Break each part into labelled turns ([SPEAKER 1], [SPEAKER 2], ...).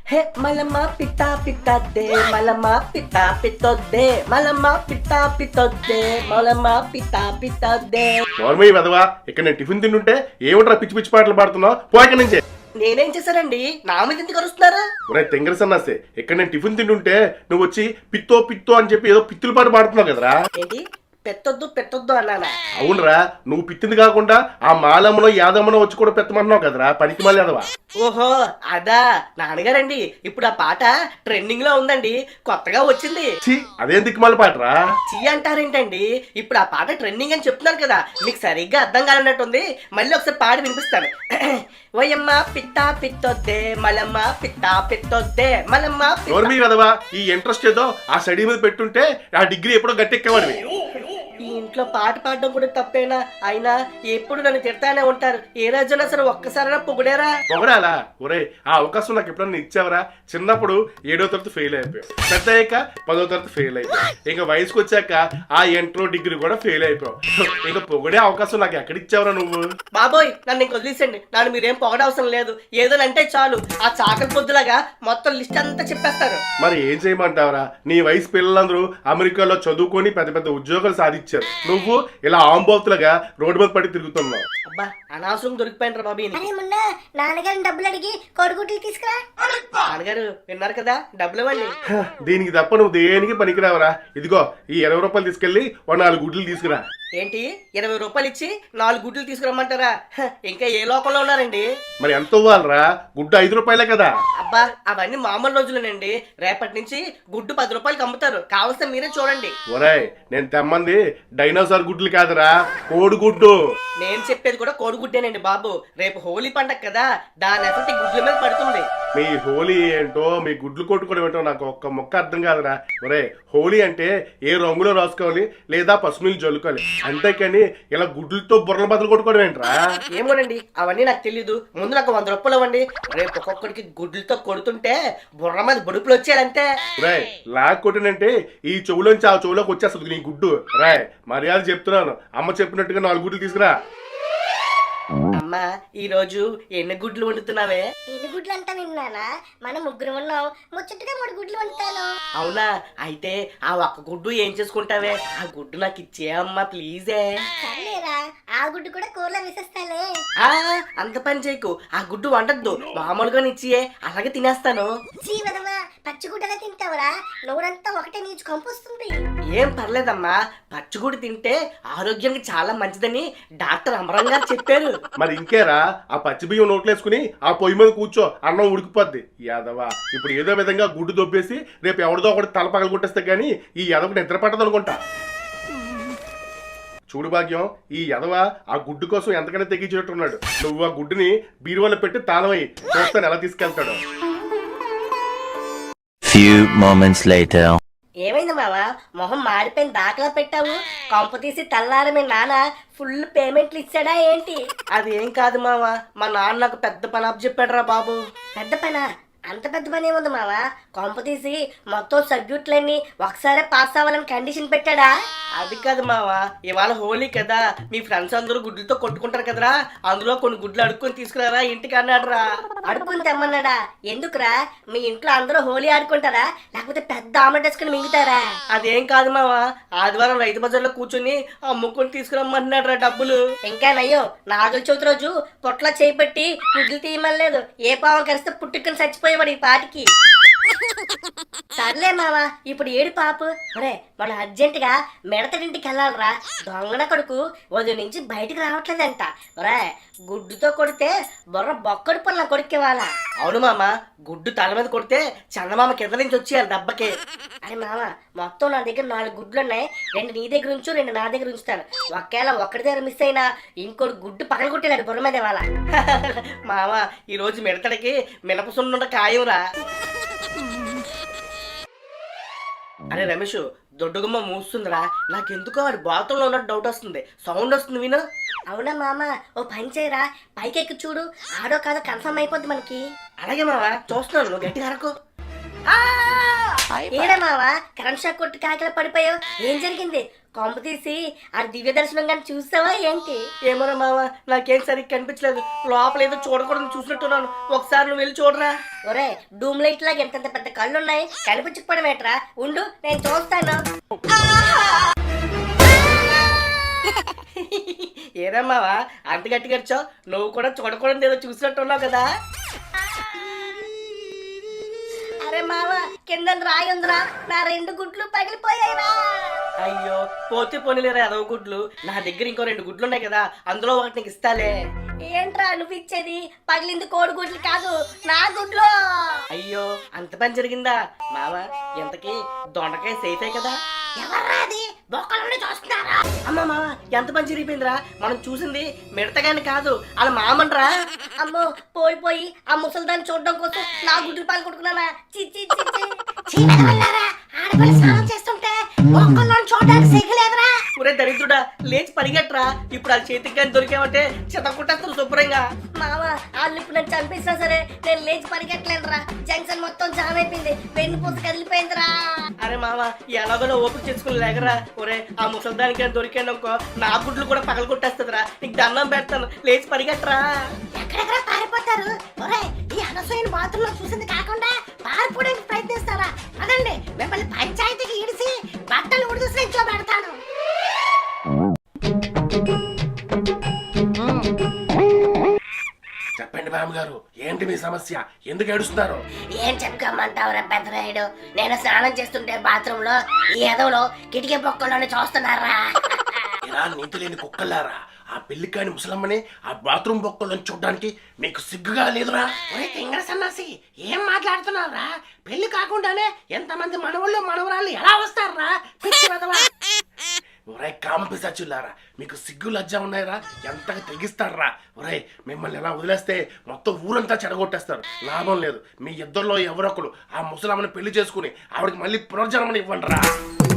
[SPEAKER 1] హే మలమా పితా పితద్దే మలమా పితా పితొద్దే మలమా పితా పితొద్దే మలమా పితా పితద్దే.
[SPEAKER 2] నోర్మయ్య వెదవా, ఇక్కడ నేను టిఫిన్ తింటుంటే ఏమిట్రా పిచ్చి పిచ్చి పాటలు పాడుతున్నావు? పోయక నుంచే.
[SPEAKER 1] నేనేం చేశానండి? నా మీద ఎందుకు అరుస్తున్నారు?
[SPEAKER 2] ఒరే తెంగర సన్నాసే, ఇక్కడ నేను టిఫిన్ తింటుంటే నువ్వు వచ్చి పిత్తో పిత్తో అని చెప్పి ఏదో పిత్తుల పాట పాడుతున్నావు కదరా.
[SPEAKER 1] ఏంటి పెట్టొద్దు పెట్టొద్దు అన్నానా?
[SPEAKER 2] అవునరా, నువ్వు పిత్తింది కాకుండా ఆ మాలమ్మనో యాదమ్మనో వచ్చి కూడా పెట్టమంటున్నావు కదరా, పనికి మళ్ళీ అదవా.
[SPEAKER 1] ఓహో అదా నాన్నగారండి, ఇప్పుడు ఆ పాట ట్రెండింగ్ లో ఉందండి, కొత్తగా వచ్చింది.
[SPEAKER 2] ఛీ, అదేం దిక్కుమాల పాటరా.
[SPEAKER 1] చీ అంటారేంటండి? ఇప్పుడు ఆ పాట ట్రెండింగ్ అని చెప్తున్నారు కదా, మీకు సరిగ్గా అర్థం కాలన్నట్టుంది. మళ్ళీ ఒకసారి పాడి వినిపిస్తాను. ఓయమ్మ పిత్తా పిత్తొద్దే మలమ్మ పిత్తా పిత్తొద్దే మలమ్మ.
[SPEAKER 2] వెదవా, ఈ ఇంట్రెస్ట్ ఏదో ఆ స్టడీ మీద పెట్టుంటే ఆ డిగ్రీ ఎప్పుడో గట్టెక్కేవాడివి.
[SPEAKER 1] ఈ ఇంట్లో పాట పాడడం కూడా తప్పేనా? అయినా ఎప్పుడు నన్ను తిడతానే ఉంటారు. ఏ రోజున సరే ఒక్కసారైనా పొగిడారా?
[SPEAKER 2] పొగడాలా? ఒరే ఆ అవకాశం నాకు ఎప్పుడన్నా ఇచ్చావరా? చిన్నప్పుడు 7వ తరగతి ఫెయిల్ అయిపోయావు, పెద్ద అయ్యాక 10వ తరగతి ఫెయిల్ అయిపోయావు, ఇంకా వయసుకు వచ్చాక ఆ ఇంట్రో డిగ్రీ కూడా ఫెయిల్ అయిపోయావు. ఇంకా పొగడే అవకాశం నాకు ఎక్కడ ఇచ్చావరా నువ్వు?
[SPEAKER 1] బాబోయ్ నన్ను ఇంక వదిలేసండి, నన్ను మీరేం పొగడవసరం లేదు. ఏదోనంటే చాలు ఆ చాకలి పొద్దులాగా మొత్తం లిస్ట్ అంతా చెప్పేస్తారు.
[SPEAKER 2] మరి ఏం చేయమంటావరా? నీ వయసు పిల్లలందరూ అమెరికాలో చదువుకొని పెద్ద పెద్ద ఉద్యోగాలు సాధించారు, నువ్వు ఇలా ఆంబోతులుగా రోడ్డు మీద పడి తిరుగుతున్నావు.
[SPEAKER 1] అబ్బా అనవసరం దొరికిపోయినరా బాబీ.
[SPEAKER 3] నాన్నగారిని డబ్బులు అడిగి కోడిగుడ్లు తీసుకురా.
[SPEAKER 1] నాన్నగారు విన్నారు కదా, డబ్బులు ఇవ్వండి.
[SPEAKER 2] దీనికి తప్ప నువ్వు దేనికి పనికిరావరా. ఇదిగో ఈ 20 రూపాయలు తీసుకెళ్లి 4 గుడ్లు తీసుకురా.
[SPEAKER 1] ఏంటి 20 రూపాయలు ఇచ్చి 4 గుడ్లు తీసుకురమ్మంటారా? ఇంకా ఏ లోకంలో ఉన్నారండి?
[SPEAKER 2] మరి ఎంత ఇవ్వాలరా? గుడ్డు 5 రూపాయలే కదా.
[SPEAKER 1] అబ్బా అవన్నీ మామూలు రోజులేనండి, రేపటి నుంచి గుడ్డు 10 రూపాయలకి అమ్ముతారు, కావలసిన మీరే చూడండి.
[SPEAKER 2] ఒరేయ్ నేను తెమ్మంది డైనోసార్ గుడ్లు కాదురా, కోడిగుడ్డు.
[SPEAKER 1] నేను చెప్పేది కూడా కోడిగుడ్డేనండి బాబు. రేపు హోలీ పండగ కదా, దాని ఎఫెక్ట్ గుడ్ల మీద పడుతుంది.
[SPEAKER 2] మీ హోలీ ఏంటో మీ గుడ్లు కొట్టుకోవడం ఏంటో నాకు ఒక్క మొక్క అర్థం కాదురా. ఒరే హోలీ అంటే ఏ రంగులో రాసుకోవాలి లేదా పసుపులు జల్లుకోవాలి, అంతేకాని ఇలా గుడ్లతో బుర్రల బదులు కొట్టుకోవడం ఏంట్రా?
[SPEAKER 1] ఏమోనండి అవన్నీ నాకు తెలీదు. ముందు నాకు 100 రూపాయలు ఇవ్వండి, రేపు ఒక్కొక్కడికి గుడ్లతో కొడుతుంటే బుర్ర మీద బొడుపులు వచ్చాయంటే.
[SPEAKER 2] రాయ్ లాక్ కొట్టినంటే ఈ చెవులోంచి ఆ చెవులోకి వచ్చేస్తుంది నీ గుడ్డు. రాయ్ మర్యాద చెప్తున్నాను, అమ్మ చెప్పినట్టుగా 4 గుడ్లు తీసుకురా.
[SPEAKER 1] అమ్మా ఈ రోజు ఎన్ని గుడ్లు వండుతున్నావే?
[SPEAKER 3] ఎన్ని గుడ్లు అంటా విన్నానా? మనం 3 ఉన్నాం, ముచ్చటగా 3 గుడ్లు వండుతాను.
[SPEAKER 1] అవునా? అయితే ఆ ఒక్క గుడ్డు ఏం చేసుకుంటావే? ఆ గుడ్డు నాకు ఇచ్చే అమ్మా ప్లీజే.
[SPEAKER 3] సర్లేరా, ఆ గుడ్డు కూడా కూరలో విసిస్తాలే.
[SPEAKER 1] అంత పని చేయకు, ఆ గుడ్డు వండద్దు, మామూలుగా ఇచ్చియే, అలాగే తినేస్తాను.
[SPEAKER 3] జీవనమా పచ్చిగుడ్డలే తింటావురా? నోరంతా ఒకటే నీచు కంపొస్తుంది.
[SPEAKER 1] ఏం పర్లేదమ్మా, పచ్చిగుడ్డు తింటే ఆరోగ్యానికి చాలా మంచిదని డాక్టర్ అమరం గారు చెప్పారు.
[SPEAKER 2] మరి ఇంకేరా, ఆ పచ్చి బియ్యం నోట్లేసుకుని ఆ పొయ్యి మీద కూర్చో, అన్నం ఉడికిపోద్ది. యాదవా ఇప్పుడు ఏదో విధంగా గుడ్డు దొబ్బేసి రేపు ఎవరిదో ఒకటి తల పగలు కొట్టేస్తే గానీ ఈ యదవకు నిద్ర పట్టదు అనుకుంటా. చూడు భాగ్యం, ఈ యదవ ఆ గుడ్డు కోసం ఎంతకైనా తెగించేట్టున్నాడు. నువ్వు ఆ గుడ్డుని బీరువాలో పెట్టి తాళమై చూస్తాను ఎలా తీసుకెళ్తాడు.
[SPEAKER 4] Few moments later.
[SPEAKER 1] ఏమైంది మావా, మొహం మాడిపోయిన దాఖలా పెట్టావు? కొంప తీసి తెల్లారి మీ నాన్న ఫుల్ పేమెంట్లు ఇచ్చాడా ఏంటి? అది ఏం కాదు మావా, మా నాన్న నాకు పెద్ద పని అప్ చెప్పాడురా బాబు.
[SPEAKER 3] పెద్ద పనా? అంత పెద్ద పని ఏముంది మావా? కొంప తీసి మొత్తం సబ్జెక్టులన్నీ ఒకసారి పాస్ అవ్వాలని కండిషన్ పెట్టాడా?
[SPEAKER 1] అది కాదు మావా, ఇవాళ హోలీ కదా, మీ ఫ్రెండ్స్ అందరూ గుడ్లతో కొట్టుకుంటారు కదరా, అందులో కొన్ని గుడ్లు అడుక్కొని తీసుకురారా ఇంటికి అన్నాడురా.
[SPEAKER 3] అడుక్కుని తెమ్మన్నాడా? ఎందుకురా? మీ ఇంట్లో అందరూ హోలీ ఆడుకుంటారా, లేకపోతే పెద్ద ఆమెట్ వేసుకుని మింగుతారా?
[SPEAKER 1] అదేం కాదు మావా, ఆదివారం రైతు బజార్లో కూర్చొని అమ్ముకొని తీసుకురమ్మన్నాడురా డబ్బులు.
[SPEAKER 3] ఇంకా నయ్యో, నాగుల చవితి రోజు పొట్ల చేపెట్టి గుడ్లు తీయమలేదు, ఏ పావం కరిస్తే పుట్టుకుని చచ్చిపోయేవాడు ఈ పాటికి. సర్లే మావా, ఇప్పుడు ఏడు పాపు. ఒరే మనం అర్జెంటుగా మిడతడింటికి వెళ్ళాలరా, దొంగన కొడుకు ఉదయం నుంచి బయటికి రావట్లేదంట. ఒరే గుడ్డుతో కొడితే బుర్ర బొక్కడు పనుల కొడుకేవాళ్ళ.
[SPEAKER 1] అవును మామ, గుడ్డు తల మీద కొడితే చందమామ కింద నుంచి వచ్చేయాలి దెబ్బకి.
[SPEAKER 3] అరే మామ, మొత్తం నా దగ్గర 4 గుడ్లు ఉన్నాయి, 2 నీ దగ్గర ఉంచు, 2 నా దగ్గర ఉంచుతాను. ఒకవేళ ఒక్కడి దగ్గర మిస్ అయినా ఇంకోటి గుడ్డు పక్కన కొట్టేలాడు బుర్ర మీద వాళ్ళ.
[SPEAKER 1] మామ ఈ రోజు మిడతడికి మినపసున్నుండ ఖాయంరా. అరే రమేష్, దొడ్డుగుమ్మ మూస్తుందిరా, నాకెందుకో వాడి బాత్రూంలో ఉన్నట్టు డౌట్ వస్తుంది, సౌండ్ వస్తుంది విను.
[SPEAKER 3] అవునా మామ, ఓ పని చేయరా, పైకెక్కి చూడు, ఆడో కాదో కన్ఫర్మ్ అయిపోద్ది మనకి.
[SPEAKER 1] అలాగే మామ, చూస్తున్నాను, నువ్వు గట్టిగా అరకు.
[SPEAKER 3] ఏడా మావా, కరెంట్ షాక్ కొట్టి కాకిలా పడిపోయావు, ఏం జరిగింది? కొంప తీసి ఆ దివ్య దర్శనం కానీ చూస్తావా ఏంటి?
[SPEAKER 1] ఏమోరా మామ, నాకేం సరిగ్గా కనిపించలేదు. లోపల ఏదో చూడకూడదు చూసినట్టున్నాను. ఒకసారి నువ్వు వెళ్ళి చూడరా.
[SPEAKER 3] ఒరే డూమ్ లైట్ లాగా ఎంతంత పెద్ద కళ్ళు ఉన్నాయి, కనిపించకపోవడం ఏట్రా? ఉండు నేను చూస్తాను.
[SPEAKER 1] ఏరా మావా అంత గట్టిగా అరిచావ్? నువ్వు కూడా చూడకూడదు ఏదో చూసినట్టున్నావు కదా.
[SPEAKER 3] అరే మావ, కింద రాయి ఉందిరా, నా 2 గుడ్లు పగిలిపోయాయిరా.
[SPEAKER 1] అయ్యో పోతే పోనీలేరా అదవ గుడ్లు. నా దగ్గర ఇంకో 2 గుడ్లు ఉన్నాయి కదా, అందులో ఒకటి నీకు ఇస్తాలే.
[SPEAKER 3] ఏంట్రా నువ్వు ఇచ్చేది? పగిలింది కోడి గుడ్లు కాదు, నా గుడ్లు.
[SPEAKER 1] అయ్యో అంత పని జరిగిందా మావా? ఎంతకి దొండకాయ సేఫే కదా?
[SPEAKER 3] ఎవర్రా అది? బొక్కలోనే చూస్తున్నారా?
[SPEAKER 1] అమ్మా మావా ఎంత పని జరిగిపోయిందిరా. మనం చూసింది మిడతగాని కాదు, అలా మామన్రా.
[SPEAKER 3] అమ్మో పోయి ఆ ముసలిదాన్ని చూడడం కోసం నా గుడ్లు పాలు కొట్టుకున్నానా? చిచ్చి ఆడపిల్ల స్నానం చేస్తుంటే బొక్కల్లో చూడడానికి సిగ్గులేదురా?
[SPEAKER 1] ఒరే దరిద్రుడా, లేచి పరిగెట్రా. ఇప్పుడు ఆ చేతికి కానీ దొరికామంటే చెతకుంటేస్తాను శుభ్రంగా.
[SPEAKER 3] మామ వాళ్ళు ఇప్పుడు నన్ను చంపేసినా సరే నేను లేచి పరిగెట్టలేనురా. జంక్షన్ మొత్తం జామ్ అయిపోయింది, వెన్నుపూస కదిలిపోయిందిరా.
[SPEAKER 1] అరే మామ ఎలాగో ఓపిక చేసుకుని లేకరా. ఒరే ఆ ముసలిదానికి కానీ దొరికాను అనుకో, నా గుడ్లు కూడా పగల కొట్టేస్తుందిరా. నీకు దండం పెడతాను, లేచి పరిగెట్టరా.
[SPEAKER 3] ఎక్కడెక్కడ పారిపోతారు? ఒరే ఈ అనసూయన బాత్రూమ్ లో చూసింది కాకుండా పారిపోవడానికి ప్రయత్నిస్తారా? అదండి మిమ్మల్ని పంచాయతీకి ఇడిసి బట్టలు ఉడిసి ఇంట్లో పెడతాను.
[SPEAKER 2] చెప్పండి బామ్మగారు, ఏంటి మీ సమస్య? ఎందుకు ఏడుస్తున్నారు?
[SPEAKER 3] ఏం చెప్పుకోమంటావురా పెద్దరాయుడు? నేను స్నానం చేస్తుంటే బాత్రూమ్ లో ఈ ఎదవలో కిటికీ పొక్కలోనే చూస్తున్నారా?
[SPEAKER 2] ఇలా నీతి లేని కుక్కలారా, ఆ పెళ్లికాని ముసలమ్మని ఆ బాత్రూమ్ బొక్కలను చూడడానికి మీకు సిగ్గుగా లేదురా?
[SPEAKER 3] ఒరే తింగర సన్నాసి, ఏం మాట్లాడుతున్నావురా? పెళ్లి కాకుండానే ఎంతమంది మనవళ్ళు మనవరాళ్ళు ఎలా వస్తారా? పిచ్చి వెధవా.
[SPEAKER 2] ఒరే కామపిశాచులారా, మీకు సిగ్గు లజ్జ ఉన్నాయరా? ఎంతగా తెగిస్తారా? ఒరే మిమ్మల్ని ఎలా వదిలేస్తే మొత్తం ఊరంతా చెడగొట్టేస్తారు. లాభం లేదు. మీ ఇద్దరిలో ఎవరొకరు ఆ ముసలమ్మని పెళ్లి చేసుకుని ఆవిడకి మళ్ళీ పునర్జన్మని ఇవ్వండి రా.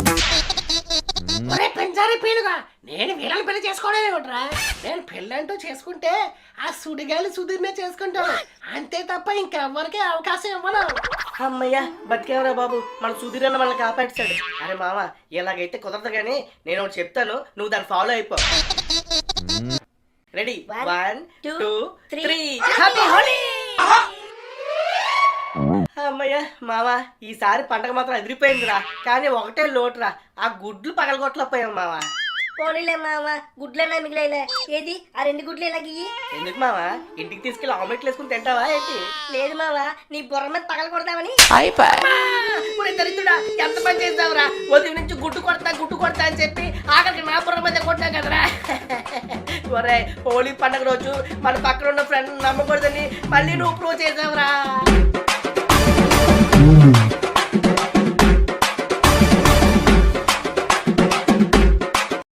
[SPEAKER 3] ఒరే పెంచారి పీనుగా, నేను వీళ్ళని పెళ్లి చేసుకోవడమే ఒకట్రా. నేను పెళ్ళంటూ చేసుకుంటే ఆ సుడిగాలి సుధీర్నే చేసుకుంటాను, అంతే తప్ప ఇంకెవ్వరికి అవకాశం ఇవ్వను.
[SPEAKER 1] అమ్మయ్యా బతికేవరా బాబు, మన సుధీరన్న మనల్ని కాపాడుతాడు. అరే మామ ఎలాగైతే కుదరదు కానీ నేను ఒకటి చెప్తాను, నువ్వు దాన్ని ఫాలో అయిపో. రెడీ? 1 2 3 హ్యాపీ హోలీ. అమ్మయ్య మామ ఈసారి పండగ మాత్రం ఎదిరిపోయిందిరా. కానీ ఒకటే లోటురా, ఆ గుడ్లు పగలగొట్టలేకపోయాం మామ.
[SPEAKER 3] పోనీలే మామ, గుడ్లన్నా మిగిలేలే. ఏది ఆ 2 గుడ్లు ఎలాగి?
[SPEAKER 1] ఎందుకు మామ, ఇంటికి తీసుకెళ్ళి ఆమ్లెట్లు వేసుకుని తింటావా ఏంటి?
[SPEAKER 3] లేదు మామ, నీ బుర్ర మీద పగల కొడదామని.
[SPEAKER 1] దరిద్రుడా ఎంత పని చేస్తావురా? ఉదయం నుంచి గుడ్డు కొడతా అని చెప్పి ఆఖరికి నా బుర్ర మీద కొట్టా కదరా. ఒరే హోలీ పండుగ రోజు మన పక్కన ఉన్న ఫ్రెండ్ నమ్మకూడదని మళ్ళీ నువ్వు ప్రూవ్ చేసావురా.